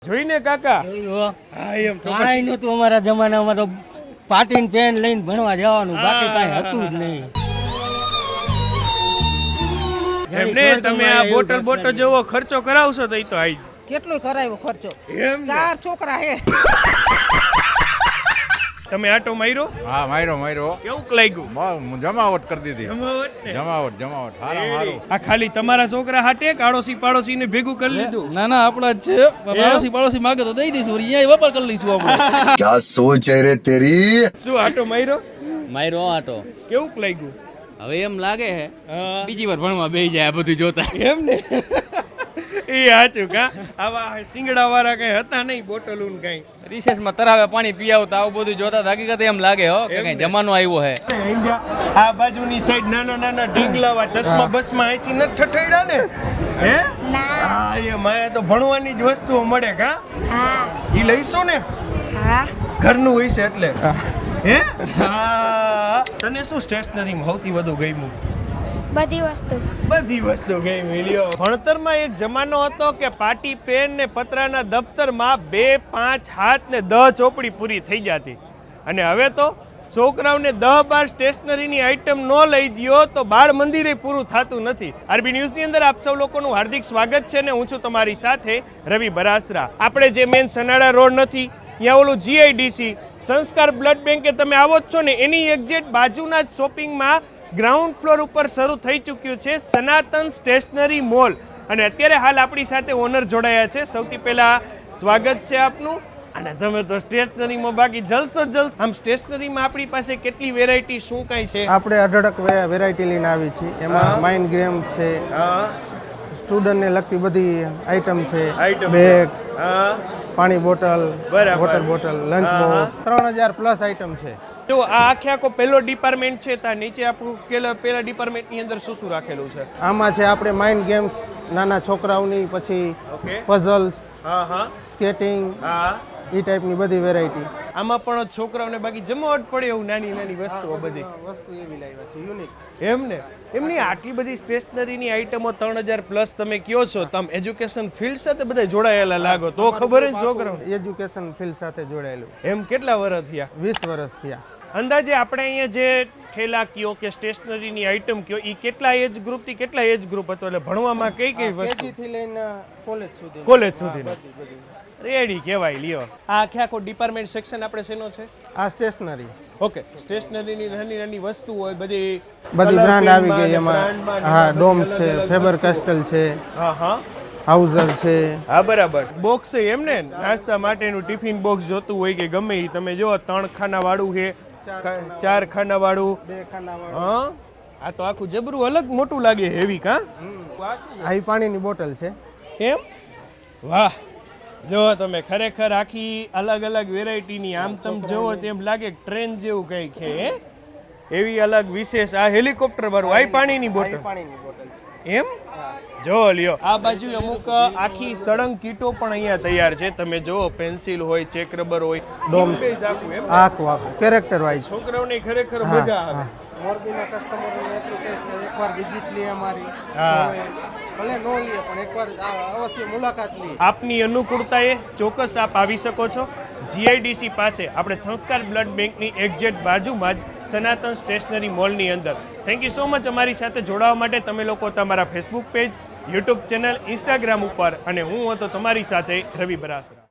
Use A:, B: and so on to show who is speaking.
A: જોઈને કાકા
B: હા એમ કાંઈ નહોતું અમારા જમાનામાં તો પાટીન પેન લઈને ભણવા જવાનું બાકી કાંઈ હતું જ નહીં.
A: એમને તમે આ બોટલ જેવો ખર્ચો કરાવશો તો ઈ તો આઈ
C: કેટલો કરાવ્યો ખર્ચો?
A: એમ
C: 4 છોકરા હે.
A: તમે આટો માર્યો?
D: હા માર્યો
A: કેવું લાગ્યું?
D: જમાવટ કરી દીધી. જમાવટ હારું.
A: આ ખાલી તમારા છોકરા હાટે આડોશી પાડોશી ને ભેગું કરી લીધું?
E: ના આપણા જ છે. પાડોશી માગે તો દઈ દઈશું, અહીંયા વેપાર કરી લઈશું આપણે.
F: क्या सोच है रे तेरी?
A: શું આટો માર્યો?
E: માર્યો આટો.
A: કેવું લાગ્યું?
E: હવે એમ લાગે છે બીજી વાર ભણવા બેસી જાય આ બધું જોતા.
A: એમ ને એ સાચું કા આવા સિંગડા વાળા કઈ હતા નહીં બોટલું કઈ
E: રિસેસમાં તરાવે પાણી પી આવતા આવું બધું જોતા હકીકત એમ લાગે હો કે કઈ જમાનો આવ્યો છે.
A: આ બાજુની સાઈડ નાના ઢીંગલાવા ચશ્મા બસમાં અહીંથી ન ઠઠેડા ને હે હા એ માયા તો ભણવાની જ વસ્તુઓ મળે કા
G: હા
A: ઈ લઈશો ને
G: હા
A: ઘરનું હોય છે એટલે હે હા તને શું સ્ટેશનરીમાં સૌથી વધુ ગમ્યું?
G: બધી
A: વસ્તુ ગઈ લ્યો. ભણતરમાં એક જમાનો હતો કે પાટી પેન ને પતરાના દફતરમાં 2, 5, 7 ને 10 ચોપડી પૂરી થઈ જતી અને હવે તો છોકરાઓને 10-12 સ્ટેશનરીની આઈટમ ન લઈ દ્યો તો બાળ મંદિરે પૂરું થતું નથી. આરબી ન્યૂઝની અંદર આપ સૌ લોકોનું હાર્દિક સ્વાગત છે ને હું છું તમારી સાથે રવિ બરાસરા. આપણે જે મેન સનાડા રોડ નથી ત્યાં ઓલું જીઆઈડીસી સંસ્કાર બ્લડ બેંકે તમે આવો જ છો ને એની એક્ઝેક્ટ બાજુના જ શોપિંગમાં ગ્રાઉન્ડ ફ્લોર ઉપર શરૂ થઈ ચૂક્યું છે સનાતન સ્ટેશનરી મોલ અને અત્યારે હાલ આપણી સાથે ઓનર જોડાયા છે. સૌથી પહેલા સ્વાગત છે આપનું. અને તમે તો સ્ટેશનરીમાં બાકી જલસો આમ સ્ટેશનરીમાં આપણી પાસે કેટલી વેરાયટી શું કાંઈ છે?
H: આપણે અઢળક વેરાયટી લઈને આવી છીએ. એમાં માઇન્ડ ગેમ છે, સ્ટુડન્ટને લગતી બધી આઈટમ છે, બેગ્સ, પાણી bottle, water bottle, lunch box, 3000 plus item છે.
A: તો આ આખો પહેલો ડિપાર્ટમેન્ટ છે ત્યાં નીચે આપણું પહેલા ડિપાર્ટમેન્ટની અંદર શું રાખેલું છે?
H: આમાં છે આપણે માઇન્ડ ગેમ્સ નાના છોકરાઓની, પછી પઝલ્સ, સ્કેટિંગ, એ ટાઈપની બધી વેરાયટી.
A: આમાં પણ છોકરાઓને બાકી જમાવટ પડે એવું નાની વસ્તુઓ બધી
H: વસ્તુ એવી લાવ્યા છે યુનિક.
A: એમ ને એમની આટલી બધી સ્ટેશનરીની આઈટમો 3000 પ્લસ તમે કયો છો, તમે એજ્યુકેશન ફિલ્ડ સાથે બધા જોડાયેલા લાગો તો ખબર જ છોકરાઓ
H: એજ્યુકેશન ફિલ્ડ સાથે જોડાયેલું.
A: એમ કેટલા વર્ષ થયા?
H: 20 વર્ષ થયા.
A: અંદાજે આપણે અહીંયા જે ઠેલા કયો કે સ્ટેશનરીની આઈટમ કયો એ કેટલા એજ ગ્રુપ થી કેટલા એજ ગ્રુપ હતો એટલે ભણવામાં કઈ વસ્તુ
H: કેજી થી લઈને
A: કોલેજ સુધી રેડી કહેવાય લ્યો. આ આખો ડિપાર્ટમેન્ટ સેક્શન આપણે શેનો છે?
H: આ સ્ટેશનરી.
A: ઓકે સ્ટેશનરીની નાની વસ્તુ હોય બધી
H: બ્રાન્ડ આવી ગઈ એમાં. હા ડોમ્સ છે, ફેબર કેસ્ટલ છે, હાઉઝર છે.
A: હા બરાબર. બોક્સ છે એમ ને નાસ્તા માટેનું ટિફિન બોક્સ જોતું હોય કે ગમે એ તમે જો 3 ખાના વાળું છે, 4 ખાના વાળું,
H: 2 ખાના વાળું.
A: હા આ તો આખું જબરું અલગ મોટું લાગે હેવી કા.
H: આ પાણીની બોટલ છે.
A: એમ વાહ જો તમે ખરેખર આખી અલગ વેરાયટીની આમ તમે જોવો તેમ લાગે ટ્રેન જેવું કંઈક છે એવી અલગ વિશેષ. આ હેલિકોપ્ટર વાળું આ પાણીની બોટલ છે એમ જો લ્યો. આ બાજુ અમુક આખી સળંગ કીટો પણ અહીંયા તૈયાર છે. તમે જો પેન્સિલ હોય, ચેક રબર હોય,
H: આખું કેરેક્ટર વાઇઝ.
A: છોકરાઓને ખરેખર મજા આવે.
H: મોરબીના કસ્ટમરોને એટલું કહીશ કે એકવાર વિઝિટ લે અમારી, ભલે નો લે પણ એકવાર અવશ્ય મુલાકાત લે.
A: આપની અનુકૂળતાએ ચોક્કસ આપ આવી શકો છો. જીઆઈડીસી પાસે આપણે સંસ્કાર બ્લડ બેંકની એક્ઝેક્ટ બાજુમાં જ સનાતન સ્ટેશનરી મોલની અંદર. થેન્ક યુ સો મચ અમારી સાથે જોડાવા માટે. તમે લોકો તમારા Facebook page, YouTube channel, Instagram ઉપર અને હું હતો તમારી સાથે રવિ બરાસરા.